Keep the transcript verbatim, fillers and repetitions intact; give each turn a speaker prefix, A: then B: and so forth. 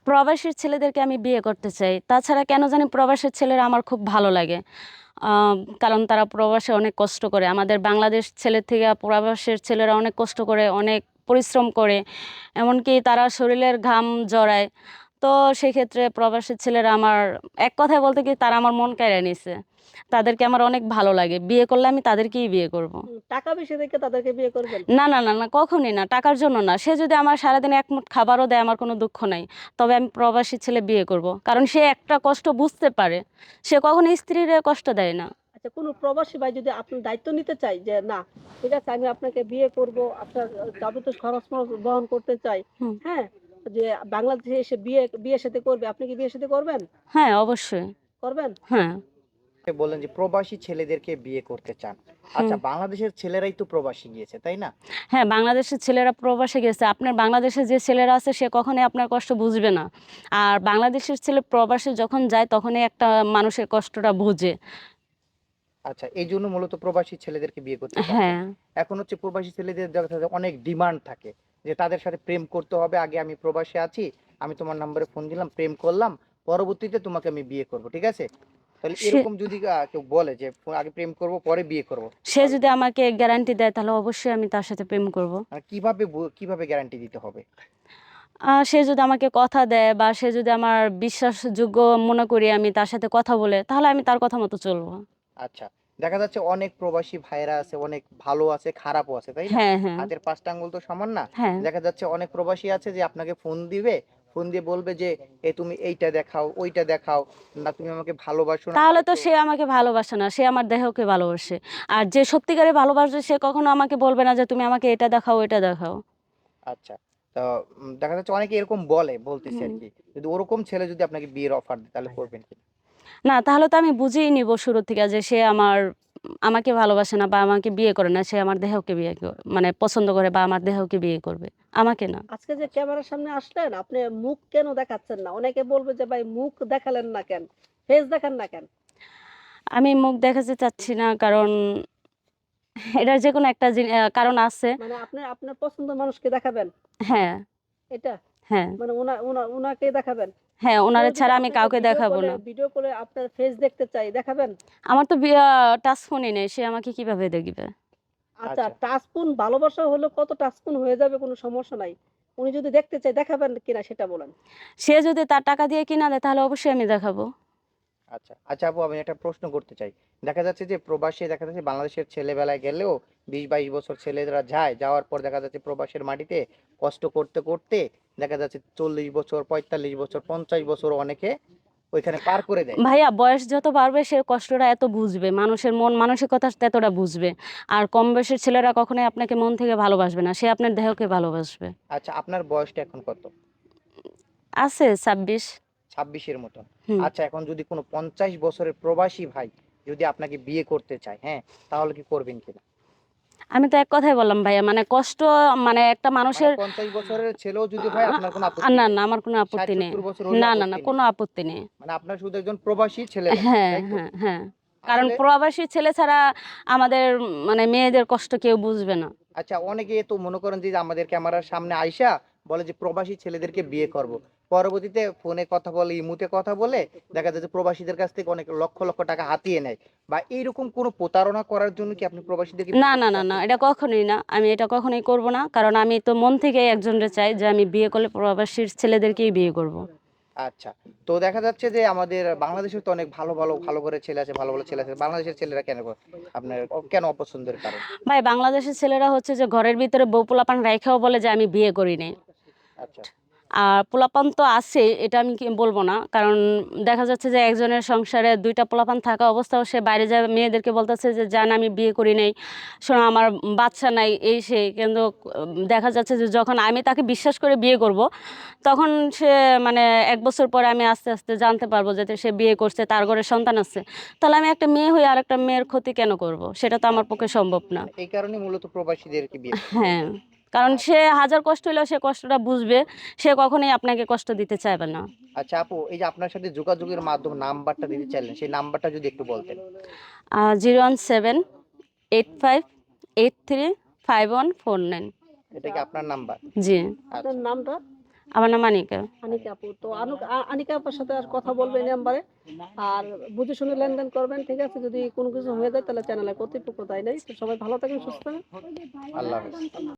A: প্রবাসীর ছেলেদেরকে আমি বিয়ে করতে চাই। তাছাড়া কেন জানি প্রবাসের ছেলেরা আমার খুব ভালো লাগে। আ কারণ তারা প্রবাসে অনেক কষ্ট করে। আমাদের বাংলাদেশ ছেলের থেকে প্রবাসের ছেলেরা অনেক কষ্ট করে, অনেক পরিশ্রম করে। এমনকি তারা শরীরের ঘাম জড়ায়। তো সেক্ষেত্রে প্রবাসী ছেলেরা আমার এক কথায় বলতে কি তারা আমার মন কেড়ে নিছে। তাদেরকে আমার অনেক ভালো লাগে। বিয়ে করলে আমি তাদেরকেই বিয়ে করব।
B: হুম, টাকা বেশি দেখে তাদেরকে বিয়ে করবেন?
A: না, না, না, না, কখনই না। টাকার জন্য না। সে যদি আমার সারাদিনে এক মুঠ খাবারও দেয় আমার কোনো দুঃখ নাই। তবে আমি প্রবাসী ছেলে বিয়ে করব। কারণ সে একটা কষ্ট বুঝতে পারে। সে কখনো স্ত্রীরে কষ্ট দেয় না।
B: আচ্ছা, কোনো প্রবাসী ভাই যদি আপনার দায়িত্ব নিতে চায় যে, "না, ঠিক আছে আমি আপনাকে বিয়ে করব, আপনার আ যাবতীয় খরচ-মরচ বহন করতে চাই।"
A: হুম।
B: হ্যাঁ? যে বাংলাদেশে এসে বিয়ে বিয়ে-শাদী করবে। আপনি কি বিয়ে-শাদী করবেন?
A: হ্যাঁ, অবশ্যই।
B: করবেন?
A: হ্যাঁ।
C: আপনি বললেন যে প্রবাসী ছেলেদেরকে বিয়ে করতে চান।
A: হুম।
C: আচ্ছা, বাংলাদেশের ছেলেরাই তো প্রবাসী গিয়েছে, তাই না?
A: হ্যাঁ, বাংলাদেশের ছেলেরা প্রবাসে গেছে। আপনার বাংলাদেশে যে ছেলেরা আছে সে কখনোই আপনার কষ্ট বুঝবে না। আর বাংলাদেশের ছেলে প্রবাসে যখন যায় তখনই একটা মানুষের কষ্টটা বুঝে।
C: আচ্ছা, এইজন্য মূলত প্রবাসী ছেলেদেরকে বিয়ে করতে চাচ্ছেন।
A: হ্যাঁ।
C: এখন হচ্ছে প্রবাসী ছেলেদের দেখা যায় অনেক ডিমান্ড থাকে যে তাদের সাথে প্রেম করতে হবে। আগে আমি প্রবাসে আছি, আমি তোমার নম্বরে ফোন দিলাম, প্রেম করলাম, পরবর্তীতে তোমাকে আমি বিয়ে করব। ঠিক আছে? তাহলে
A: সে
C: এরকম যদি আ কেউ বলে যে ফ আগে প্রেম করব পরে বিয়ে করব।
A: সে
C: তাহলে
A: যদি আমাকে গ্যারান্টি দেয় তাহলে অবশ্যই আমি তার সাথে প্রেম করব।
C: মানে কিভাবে বু কিভাবে গ্যারান্টি দিতে হবে?
A: আ সে যদি আমাকে কথা দেয় বা সে যদি আমার বিশ্বাসযোগ্য মনে করি আমি তার সাথে কথা বলে, তাহলে আমি তার কথা মতো চলব।
C: আচ্ছা। দেখা যাচ্ছে অনেক প্রবাসী ভাইয়েরা আছে, অনেক ভালো আছে, খারাপও আছে, তাই না?
A: হ্যাঁ, হ্যাঁ,
C: হাতের পাঁচ টা আঙ্গুল তো সমান না।
A: হ্যাঁ।
C: দেখা যাচ্ছে অনেক প্রবাসী আছে যে আপনাকে ফোন দিবে, ফোন দিয়ে বলবে যে, "এ তুমি এইটা দেখাও, ওইটা দেখাও, না তুমি আমাকে ভালোবাসো না
A: তাহলে তো
C: হয়তো।"
A: সে আমাকে ভালোবাসে না। সে আমার দেহকে ভালোবাসে। আর যে সত্যিকারে ভালোবাসে সে কখনো আমাকে বলবে না যে, "তুমি আমাকে এটা দেখাও, ওইটা দেখাও।"
C: আচ্ছা। তো উম দেখা যাচ্ছে অনেকে এরকম বলে, বলতেছি
A: হুম।
C: আরকি। যদি ওরকম ছেলে যদি আপনাকে বিয়ের অফার দেয় তাহলে করবেন কিনা?
A: না তাহলে তো আমি বুঝেই নিব শুরু থেকে যে সে আমার আমাকে ভালোবাসে না বা আমাকে বিয়ে করে না। সে আমার দেহকে বিয়ে ক মানে পছন্দ করে বা আমার দেহকে বিয়ে করবে। আমাকে না।
B: আজকে যে ক্যামেরার সামনে আসলেন, আপনি মুখ কেন দেখাচ্ছেন না? অনেকে বলবে যে, "ভাই মুখ দেখালেন না কেন? ফেস দেখান না কেন?"
A: আমি মুখ দেখাতে চাচ্ছি না কারণ এটার যেকোনো একটা জি আ কারণ আছে।
B: মানে আপনি আপনার পছন্দের মানুষকে দেখাবেন,
A: হ্যাঁ,
B: এটা?
A: হ্যাঁ,
B: মানে উনা উনা উনাকেই দেখাবেন?
A: হ্যাঁ,
B: কেউ
A: উনারে
B: যদি
A: ছাড়া আমি
B: আপনাকে
A: কাউকে
B: ভিডিও
A: দেখাবো
B: কলে
A: না।
B: ভিডিও কলে আপনার ফেস দেখতে চায়, দেখাবেন?
A: আমার তো বিয়া টাচ ফোনই নেই। সে আমাকে কিভাবে দেখবে?
B: আচ্ছা,
C: আচ্ছা।
B: টাচফোন ভালোবাসা হলেও কত টাচফোন হয়ে যাবে কোনো সমস্যা নাই। উনি যদি দেখতে চায় দেখাবেন কিনা সেটা বলেন?
A: সে যদি তার টাকা দিয়ে কিনা দেয় তাহলে অবশ্যই আমি দেখাবো।
C: আচ্ছা। আচ্ছা আপু, আমি একটা প্রশ্ন করতে চাই। দেখা যাচ্ছে যে প্রবাসী দেখা যাচ্ছে বাংলাদেশের ছেলেবেলায় গেলেও বিশ বাইশ বছর ছেলেরা যায়। যাওয়ার পর দেখা যাচ্ছে প্রবাসের মাটিতে কষ্ট করতে, করতে দেখা যাচ্ছে চল্লিশ বছর, পঁয়তাল্লিশ বছর, পঞ্চাশ বছর অনেকে ওইখানে পার করে দেয়।
A: ভাইয়া বয়স যত বাড়বে সে কষ্টটা এত বুঝবে। মানুষের মন মানসিকতা ততটা বুঝবে। আর কম বয়সের ছেলেরা কখনোই আপনাকে মন থেকে ভালোবাসবে না। সে আপনার দেহকে ভালোবাসবে।
C: আচ্ছা, আপনার বয়সটা এখন কত?
A: আছে ছাব্বিশ।
C: ছাব্বিশ এর মতন।
A: হুম।
C: আচ্ছা, এখন যদি কোনো পঞ্চাশ বছরের প্রবাসী ভাই যদি আপনাকে বিয়ে করতে চায়, হ্যাঁ? তাহলে কি করবেন কিনা?
A: আমি তো এক কথাই বললাম ভাইয়া মানে কষ্ট মানে একটা
C: মানে
A: মানুষের
C: পঞ্চাশ বছরের ছেলেও যদি হয় আপনার কোনো
A: আ
C: আপত্তি
A: না,
C: নেই।
A: না আমার কোনো
C: ষাট
A: আপত্তি নেই।
C: সত্তর বছর হলেও
A: না, না, না
C: আপত্তি নেই।
A: কোনো আপত্তি নেই।
C: মানে আপনার শুধু একজন প্রবাসী ছেলে লাগবে,
A: হ্যাঁ,
C: তাই তো?
A: হ্যাঁ, হ্যাঁ। কারণ
C: আসলে
A: প্রবাসী ছেলে ছাড়া আমাদের মানে মেয়েদের কষ্ট কেউ বুঝবে না।
C: আচ্ছা, অনেকে তো মনে করেন যে আমাদের ক্যামেরার সামনে আইসা বলে যে প্রবাসী ছেলেদেরকে বিয়ে করব। পরবর্তীতে ফোনে কথা বলে, ইমুতে কথা বলে দেখা যায় যে প্রবাসীদের কাছ থেকে অনেক লক্ষ, লক্ষ টাকা হাতিয়ে নেয়। বা এইরকম কোনো প্রতারণা করার জন্য কি আপনি প্রবাসীদেরকে
A: না,
C: বিয়ে
A: না,
C: করতে
A: না, না
C: চাচ্ছেন
A: এটা
C: কিনা?
A: কখনোই না। আমি এটা কখনোই করব না। কারণ আমি তো মন থেকেই একজনরে চাই যে আমি বিয়ে করলে প্রবাসীর ছেলেদেরকেই বিয়ে করব।
C: আচ্ছা। তো দেখা যাচ্ছে যে আমাদের বাংলাদেশেও তো অনেক ভালো, ভালো, ভালো ঘরের ছেলে আছে, ভালো, ভালো ছেলে আছে। বাংলাদেশের ছেলেরা কেন ক আপনার অ কেন অপছন্দের কারণ?
A: ভাই বাংলাদেশের ছেলেরা হচ্ছে যে ঘরের ভিতরে বউ পোলাপান রাইখাও বলে যে আমি বিয়ে করি নাই।
C: আচ্ছা,
A: আর পোলাপান তো আছেই এটা আমি কি বলব না। কারণ দেখা যাচ্ছে যে একজনের সংসারে দুই টা পোলাপান থাকা অবস্থাও সে বাইরে যায় মেয়েদেরকে বলতেছে যে, "জান আমি বিয়ে করি নাই। শোনো আমার বাচ্চা নাই" এই সেই। কিন্তু উম দেখা যাচ্ছে যে যখন আমি তাকে বিশ্বাস করে বিয়ে করব, তখন সে মানে এক বছর পরে আমি আস্তে, আস্তে জানতে পারবো যে সে বিয়ে করছে, তার ঘরে সন্তান আছে। তাহলে আমি একটা মেয়ে হয়ে আরেকটা মেয়ের ক্ষতি কেন করব? সেটা তো আমার
C: আচ্ছা।
A: পক্ষে সম্ভব না।
C: মানে এই কারণেই মূলত প্রবাসীদেরকে বিয়ে করেন, তাই
A: হ্যাঁ,
C: তো?
A: কারণ
C: আচ্ছা।
A: সে হাজার কষ্ট হইলেও সে কষ্টটা বুঝবে। সে কখনোই আপনাকে কষ্ট দিতে চাইবে না।
C: আচ্ছা আপু, এই যে আপনার সাথে যোগাযোগের মাধ্যম নাম্বারটা দিতে চাইলেন, সেই নাম্বারটা যদি একটু বলতেন।
A: আ zero one seven eight five eight three five one four nine.
C: এটা
B: আচ্ছা,
C: কি
B: আপ
C: আপনার নাম্বার?
A: জি।
B: আপনার
C: আচ্ছা।
B: নামটা?
A: আমার নাম আনিকা।
B: আনিকা আপু, তো আনু- আ- আনিকা আপুর সাথে আর কথা বলবেন এই নাম্বারে, আর বুঝে শুনে লেনদেন করবেন, ঠিক আছে? যদি কোনো কিছু হয়ে যায় তাহলে চ্যানেলে কর্তৃপক্ষ দায় নেই। তো সবাই ভালো থাকেন, সুস্থ থাকেন।
C: আল্লাহ হাফেজ।